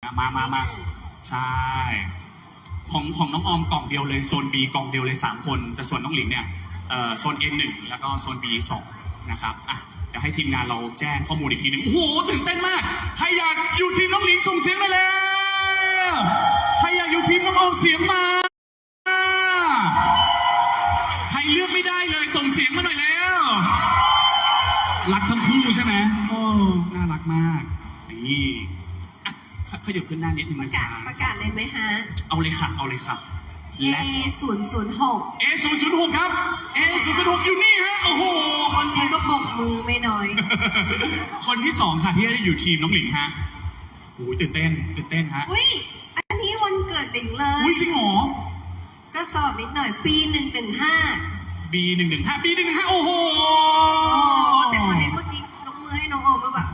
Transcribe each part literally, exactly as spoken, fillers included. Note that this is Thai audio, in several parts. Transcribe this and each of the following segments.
มามามาใช่ของของน้องออมกล่องเดียวเลยโซน B กล่องเดียวเลยสามคนแต่ส่วนน้องหลิงเนี่ยโซน เอ็น หนึ่งแล้วก็โซน บี สองนะครับอ่ะเดี๋ยวให้ทีมงานเราแจ้งข้อมูลอีกทีหนึ่งโอ้โหตื่นเต้นมากใครอยากอยู่ทีมน้องหลิงส่งเสียงไปเลยใครอยากอยู่ทีมน้องออมเสียงมาใครเลือกไม่ได้เลยส่งเสียงมาหน่อยแล้วรักทั้งคู่ใช่ไหมโอ้น่ารักมากนี่อ่ะขยับขึ้นหน้านิดนึงปนะระคการัศบประกาศเลยไหมฮะเอาเลยค่ะเอาเลยค่ะ A ศูนย์ศูนย์หกเอ ศูนย์ ศูนย์ หกครับ เอ ศูนย์ ศูนย์ หกอยู่นี่ฮะโอ้โหคนใช้ก็บกมือไม่น้อยคนที่สองค่ะที่ได้อยู่ทีมน้องหลิงฮะโอ้ยตื่นเต้นตื่นเต้นฮะอุ้ยอันนี้วันเกิดหลิงเลยอุ้ยจริงเหรอก็สอบนิดหน่อยปีหนึ่งหนึ่งห้า B หนึ่งหนึ่งห้า B หนึ่งหนึ่งห้าโอ้โหโอ้แต่คนนี้เมื่อกี้ยกมือให้น้องออมมาแบบ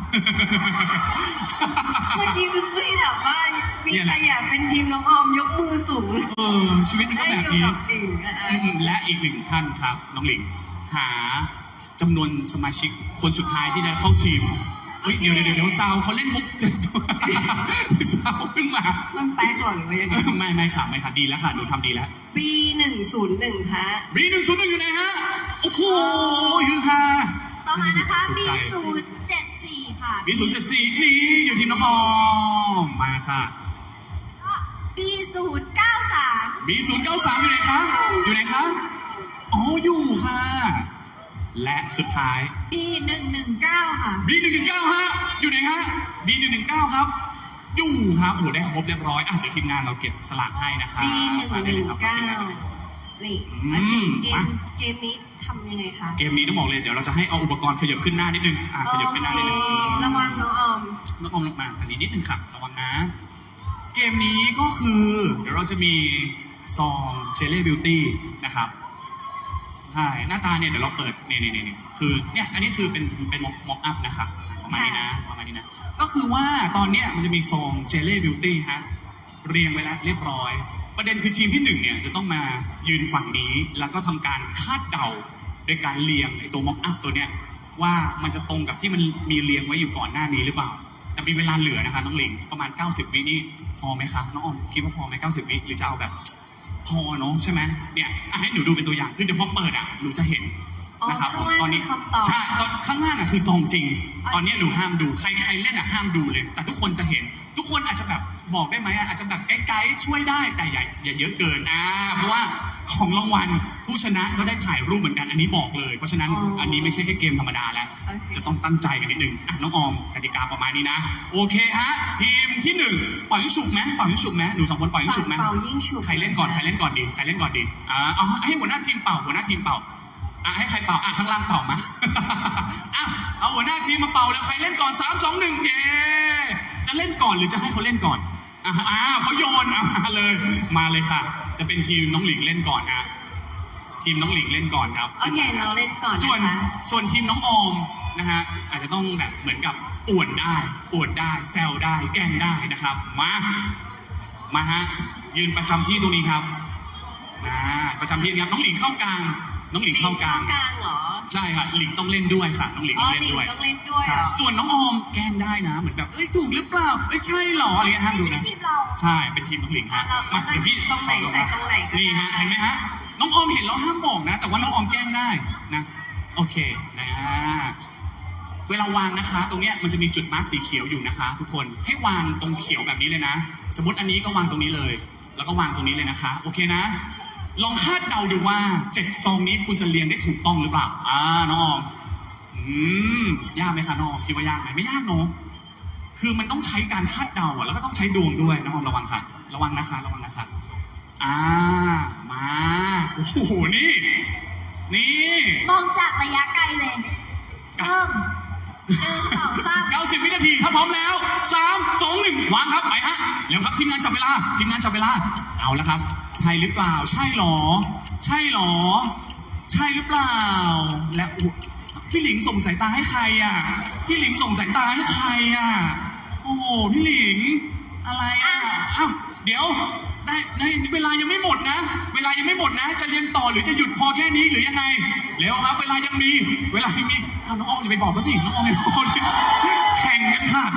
เมื่อกี้คือพี่ถามว่ามีใครอยากเป็นทีมน้องออมยกมือสูงเออชีวิตมันก็ได้แบบดูนี้กับหลิงนะคะอืมและอีกหนึ่งท่านครับน้องหลิงหาจำนวนสมาชิกคนสุดท้ายที่จะเข้าทีมเฮ้ยเดี๋ยวเดี๋ยวเดี๋ยวซาวเขาเล่นมุกเจ็ดตัวซาวขึ้นมามันแป๊กหรอหรือว่ายังไงไม่ไม่ค่ะไม่ค่ะดีแล้วค่ะหนูทำดีแล้วปีหนึ่งศูนย์หนึ่งฮะ B หนึ่งศูนย์หนึ่งอยู่ไหนฮะโอ้โหอยู่ค่ะต่อมานะคะ B ใจศูนย์เจ็ดสี่ค่ะ B ศูนย์เจ็ดสี่นี่อยู่ทีมน้องออมมาค่ะก็ B ศูนย์เก้าสาม B ศูนย์เก้าสามอยู่ไหนคะอยู่ไหนคะอ๋ออยู่ค่ะ และสุดท้าย B หนึ่งหนึ่งเก้าค่ะ B หนึ่งหนึ่งเก้าฮะอยู่ไหนฮะ B หนึ่งหนึ่งเก้าครับอยู่ครับโอ้โหได้ครบเรียบร้อยอ่ะเดี๋ยวทีมงานเราเก็บสลากให้นะครับปีหนึ่งมาหได้นึ่ลงยครับเก้านี่โอเคเกมมาเกมนี้ทำยังไงคะเกมนี้ต้องบอกเลยเดี๋ยวเราจะให้เอาอุปกรณ์ขยับขึ้นหน้านิดนึงอ่ะขยับขึ้นหน้านิดนึงโอเคระวังน้องออมน้องออมลงมาทางนี้นิดนึงค่ะระวังนะ เกมนี้ก็คือ เดี๋ยวเราจะมีซองเจล l ่บิวตี้นะครับใช่หน้าตาเนี่ยเดี๋ยวเราเปิดเนี่ยเนี่ยเนี่ยคือเนี่ยอันนี้คือเป็นเป็นม็อกอัพนะครับประมาณนี้นะประมาณนี้นะก็คือว่าตอนเนี้ยมันจะมีซองเจล l ่บิวตี้ฮะเรียงไว้แล้วเรียบร้อย ประเด็นคือทีมที่หนึ่งเนี่ยจะต้องมายืนฝั่งนี้ แล้วก็ทำการคาดเดาโดยการเรียงไอ้ตัวม็อกอัพตัวเนี้ยว่ามันจะตรงกับที่มันมีเรียงไว้อยู่ก่อนหน้านี้หรือเปล่าแต่มีเวลาเหลือนะคะน้องหลิงประมาณเก้าสิบวินี่พอไหมครับน้องออมคิดว่าพอไหมเก้าสิบวิหรือจะเอาแบบพอเนาะใช่ไหมเนี่ยอ่ะให้หนูดูเป็นตัวอย่างคือเดี๋ยวพอเปิดอ่ะหนูจะเห็นอ๋อนะครับข้างล่างตอนนี้คือคำตอบใช่ตอนข้างล่างอ่ะคือซองจริง ตอนนี้หนูห้ามดูใครใครเล่นอ่ะห้ามดูเลย แต่ทุกคนจะเห็น ทุกคนอาจจะแบบบอกได้ไหมอ่ะอาจจะแบบไกลๆช่วยได้แต่อย่าอย่าเยอะเกินอ่าเพราะว่าของรางวัลผู้ชนะก็ได้ถ่ายรูปเหมือนกันอันนี้บอกเลย เพราะฉะนั้นอันนี้ไม่ใช่แค่เกมธรรมดาแล้วโอเคจะต้องตั้งใจกันนิดนึงอ่ะน้องออมกติกาประมาณนี้นะโอเคฮะทีมที่หนึ่งปล่อยยิงฉุบไหมปล่อยยิงฉุบไหมหนูสองคนปล่อยยิงฉุบไหมเป่ายิ่งฉุบใครเล่นก่อนใครเล่นก่อนดีใครเล่นก่อนดีอ่าเอาให้หัวหน้าทีมเป่าหัวหน้าทีมเป่าอ่ะให้ใครเป่าอ่ะข้างล่างเป่ามา อ่ะเอาหัวหน้าทีมมาเป่าแล้วใครเล่นก่อนสามสองหนึ่งเย้จะเล่นก่อนหรือจะให้เขาเล่นก่อนอ่ะอ่าเขาโยนอ่ะมาเลยมาเลยค่ะ จะเป็นทีมน้องหลิงเล่นก่อนฮะทีมน้องหลิงเล่นก่อนครับโอเคเราเล่นก่อนส่วนนะคะส่วนทีมน้องออมนะฮะอาจจะต้องแบบเหมือนกับอวดได้อวดได้แซวได้แกล้งได้นะครับมามาฮะยืนประจำที่ตรงนี้ครับนะประจำที่ครับน้องหลิงเข้ากลางน้องหลิงเข้ากลางกลางเหรอใช่ค่ะหลิงต้องเล่นด้วยค่ะน้องหลิงอ๋ต้อองเล่นด้วยหลิงต้องเล่นด้วยใช่เหรอส่วนน้องออมแกล้งได้นะเหมือนแบบเอ้ยถูกหรือเปล่าเอ้ยใช่เหรออะไรเงี้ยห้ามไม่ดูใช่นะทีมเราใช่เป็นทีมน้องหลิงฮะเรามาเราเดี๋ยวพี่ตรงไหนใส่ตรงไหนก็ได้นี่ฮะเห็นไหมฮะน้องออมเห็นแล้วห้ามบอกนะ แต่ว่าน้องออมแกล้งได้นะโอเคนะเวลาวางนะคะ ตรงเนี้ยมันจะมีจุดมาร์กสีเขียวอยู่นะคะ ทุกคนให้วางตรงเขียวแบบนี้เลยนะ สมมติอันนี้ก็วางตรงนี้เลย แล้วก็วางตรงนี้เลยนะคะ โอเคนะ ลองคาดเดาดูว่าเจ็ดซองนี้คุณจะเรียงได้ถูกต้องหรือเปล่าอ่าน้องออมอืมยากไหมคะน้องออมคิดว่ายากไหมไม่ยากเนอะคือมันต้องใช้การคาดเดาอะแล้วก็ต้องใช้ดวงด้วยน้องออมระวังค่ะ ระวังนะคะ ระวังนะคะอ่ามาโอ้โหนี่ นี่มองจากระยะไกลเลยเริ่มหนึ่งสองสามเก้าสิบวินาทีถ้าพร้อมแล้วสามสองหนึ่งวางครับไปฮะแล้วครับทีมงานจับเวลาทีมงานจับเวลาเอาแล้วครับใช่หรือเปล่าใช่หรอ ใช่หรอ ใช่หรือเปล่าและอุ๊ยพี่หลิงส่งสายตาให้ใครอ่ะพี่หลิงส่งสายตาให้ใครอ่ะโอ้โหพี่หลิงอะไรอ่ะอ้าวเดี๋ยวได้ได้เวลายังไม่หมดนะ เวลายังไม่หมดนะ จะเรียนต่อหรือจะหยุดพอแค่นี้หรือยังไงเร็วครับเวลายังมีเวลายังมีอ้าวน้องออมอย่าไปบอกเขาสิน้องออมอย่าไปบอกเขาสิแข่งกันค่ะแข่ง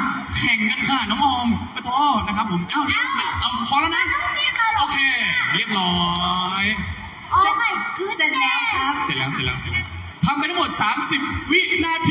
ข่งกันค่ะน้องออมปะโทนะครับผมเอ้าเอาพอแล้วนะต้องจิ้มแล้วเหรโออเค เรียบร้อยโอ้ my เสร็จแล้วครับเสร็จแล้วเสร็จแล้วเสร็จแล้วทำไปทั้งหมด สามสิบ วินาที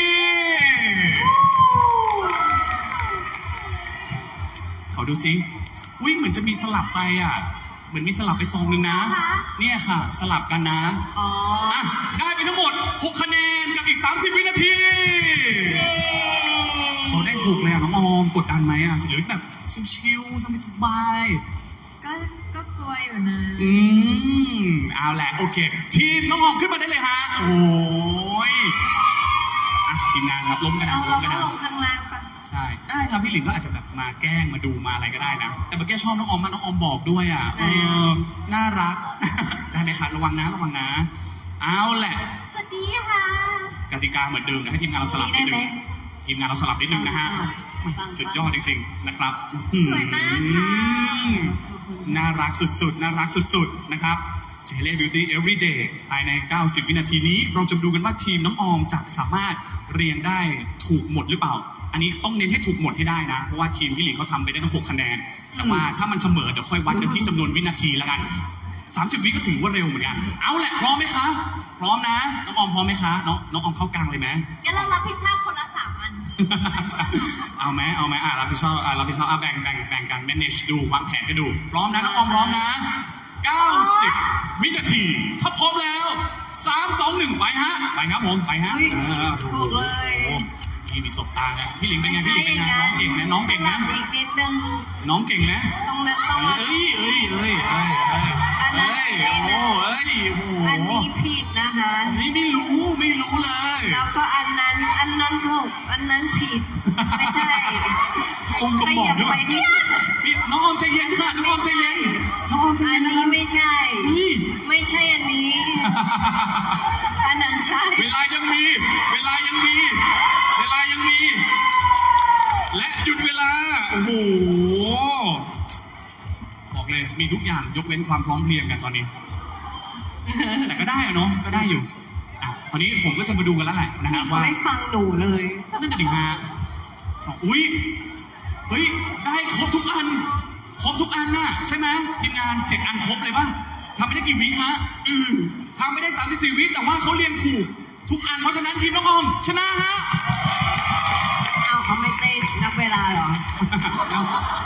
ขอดูซิอุ้ยเหมือนจะมีสลับไปอ่ะ เหมือนมีสลับไปซองนึงนะ เนี่ยค่ะ สลับกันนะอ๋ออ่ะได้ไปทั้งหมด หก คะแนนกับอีก สามสิบ วินาทีเย้เขาได้หกเลยอ่ะน้องออมกดดันไหมอ่ะหรือแบบชิวๆสบายๆก็ก็กลัวอยู่นะอืมเอาแหละโอเค ทีมน้องออมขึ้นมาได้เลยฮะ โอ้ยอ่ะทีมงานครับล้มกันนะเราล้เรามกันก็นะลงข้างล่างปะใช่ได้ครับพี่หลินก็อาจจะแบบมาแกล้งมาดูมาอะไรก็ได้นะ แต่เมื่อกี้ชอบน้องออมมากน้องออมบอกด้วยอ่ะเออน่ารัก ได้ไหมครับระวังนะระวังนะ เอาแหละสวัสดีค่ะกติกาเหมือนเดิมนะให้ทีมงานเราสลับนิดนึงทีมงานเราสลับนิดนึงนะฮะสุดยอดจริงๆนะครับสวยมากค่ะอืมน่ารักสุดๆน่ารักสุดๆนะครับ เจเล่ Beauty Everyday ภายใน เก้าสิบ วินาทีนี้ เราจะดูกันว่าทีมน้องออมจะสามารถเรียงได้ถูกหมดหรือเปล่า อันนี้ต้องเน้นให้ถูกหมดให้ได้นะ เพราะว่าทีมพี่หลิงเขาทำไปได้ตั้งหกคะแนน แต่ว่าถ้ามันเสมอเดี๋ยวค่อยวัดกันที่จำนวนวินาทีแล้วกัน สามสิบ วิก็ถือว่าเร็วเหมือนกัน เอาแหละพร้อมไหมคะ พร้อมนะ น้องออมพร้อมไหมคะ น้องน้องออมเข้ากลางเลยไหมงั้นเรารับผิดชอบคนละสามอันเอาไหมเอาไหมอ่ะรับผิดชอบอ่ะรับผิดชอบอ่ะแบ่งแบ่งแบ่งกัน manage ดูวางแผนให้ดู พร้อมนะน้องออมพร้อมนะ เก้าสิบ วินาที ถ้าพร้อมแล้ว สาม สอง หนึ่ง ไปฮะ ไปครับผม ไปฮะอุ๊ยเออถูกเลยโอ้โหนี่มีสบตานะพี่หลิงเป็นไงพี่หลิงเป็นไงน้องเก่งไหมน้องเก่งไหมสลับอีกนิดนึงน้องเก่งไหมตรงนั้นต้องมาเอ้ยเอ้ยเอ้ยเอ้ยเอ้ยอันนั้นเอ้ยโอ้โหเอ้ยโอ้โหอันนี้ผิดนะคะเฮ้ยไม่รู้ไม่รู้เลยแล้วก็อันนั้นอันนั้นถูกอันนั้นผิด ไม่ใช่องค์กรขบอกยับด้วไปยที่พี่น้องออมใจเย็นค่ะน้องออมใจเย็นน้องออมใจอัเย็นนนะนี้คะไม่ใช่เฮ้ยไม่ใช่อันนี้ อันนั้นใช่เวลายังมี เวลายังมี เวลายังมี และหยุดเวลา โอ้โห บอกเลย มีทุกอย่างยกเว้นความพร้อมเพรียงกันตอนนี้ แต่ก็ได้อะเนาะ ก็ได้อยู่อ่ะคราวนี้ผมก็จะมาดูกันแล้วแหละนะนี่ฮะเขาว่าไม่ฟังหนูเลยนั่นจะถึงฮะสองอุ้ย เฮ้ย ได้ครบทุกอัน ครบทุกอันน่ะใช่ไหมทีมงานเจ็ดอันครบเลยป่ะทำไม่ได้กี่วิฮะอืมทำไม่ได้สามสิบสี่วิแต่ว่าเขาเรียงถูกทุกอัน เพราะฉะนั้นทีมน้องออม ชนะฮะเอาเขาไม่เต้นนับเวลาเหรอเอา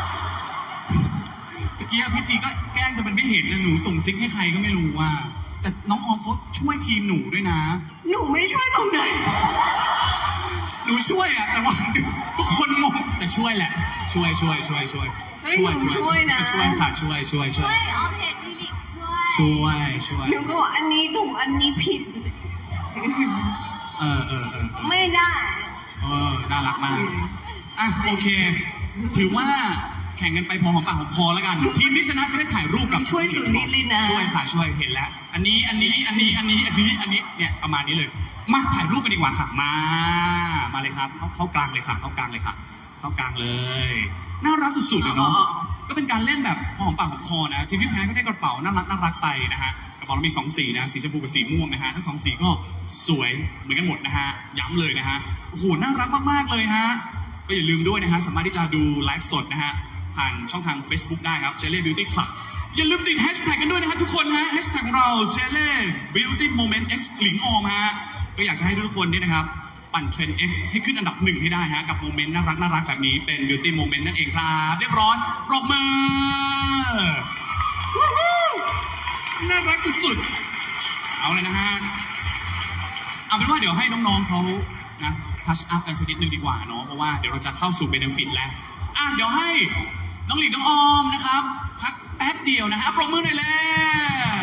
เมื่อกี้พี่จีก็แกล้งจะเป็นไม่เห็นนะหนูส่งซิกให้ใครก็ไม่รู้ว่า แต่น้องออมเขาช่วยทีมหนูด้วยนะหนูไม่ช่วยตรงไหนหนูช่วยอะแต่ว่าทุกคนงงแต่ช่วยแหละ ช่วยช่วยช่วยช่วยเฮ้ยหนูช่วยนะช่วยค่ะช่วยช่วยช่ช่ววย ยออมเห็นพี่หลิงช่วยช่วยช่วยหนูก็บอกอันนี้ถูกอันนี้ผิดเออเออเออไม่ได้เออน่ารักมากอ่ะโอเค ถือว่าแข่งกันไปพอหอมปากหอมคอแล้วกัน ทีมที่ชนะจะได้ถ่ายรูปกับช่วยสุดฤทธิ์เลยนะช่วยค่ะช่วยเห็นแล้ว อันนี้อันนี้อันนี้อันนี้อันนี้อันนี้เนี่ยประมาณนี้เลย มาถ่ายรูปกันดีกว่าค่ะมา มาเลยครับเข้าเข้ากลางเลยค่ะเข้ากลางเลยค่ะ เข้ากลางเลย น่ารักสุดๆเลยเนาะ ก็เป็นการเล่นแบบพอหอมปากหอมคอนะ ทีมที่แพ้ก็ได้กระเป๋าน่ารักน่ารักไปนะฮะ กระเป๋าเรามีสองสีนะ สีชมพูกับสีม่วงนะฮะ ทั้งสองสีก็สวยเหมือนกันหมดนะฮะ ย้ำเลยนะฮะ โอ้โห น่ารักมากๆเลยฮะ ก็อย่าลืมด้วยนะฮะ สามารถที่จะดูไลฟ์สดนะฮะ ผ่านช่องทาง Facebook ได้ครับ Jelly Beauty Club อย่าลืมติดแฮชแท็กกันด้วยนะฮะทุกคนฮะแฮชแท็กของเรา Jelly Beauty Moment X หลิงออมฮะ ก็อยากจะให้ทุกคนเนี่ยนะครับ ปั่นเทรนด์ X ให้ขึ้นอันดับหนึ่งให้ได้ฮะ กับโมเมนต์น่ารักน่ารักแบบนี้เป็น Beauty Moment นั่นเองครับ เรียบร้อยปรบมือวู้ฮู้น่ารักสุดๆ เอาเลยนะฮะ เอาเป็นว่าเดี๋ยวให้น้องๆเขานะทัชอัพกันสักนิดนึงดีกว่าเนาะเพราะว่าเดี๋ยวเราจะเข้าสู่เบนฟิตแล้วอ่ะเดี๋ยวให้น้องหลินน้องออมนะครับพักแป๊บเดียวนะฮะปรบมือหน่อยแล้ว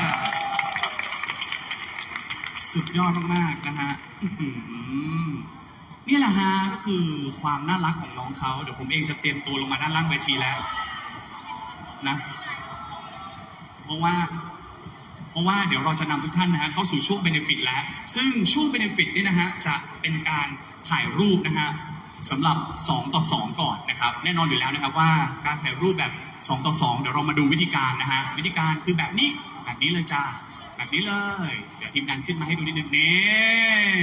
สุดยอดมากๆนะฮะอื้อหือนี่แหละฮะก็คือความน่ารักของน้องเขาเดี๋ยวผมเองจะเตรียมตัวลงมาด้านล่างเวทีแล้วนะเพราะว่า เพราะว่าเดี๋ยวเราจะนำทุกท่านนะฮะเข้าสู่ช่วงเบนฟิตแล้ว ซึ่งช่วงเบนฟิตเนี่ยนะฮะจะเป็นการถ่ายรูปนะฮะสำหรับสองต่อสองก่อนนะครับแน่นอนอยู่แล้วนะครับว่าการถ่ายรูปแบบสองต่อสองเดี๋ยวเรามาดูวิธีการนะฮะวิธีการคือแบบนี้แบบนี้เลยจ้าแบบนี้เลยเดี๋ยวทีมงานขึ้นมาให้ดูนิดนึงนี่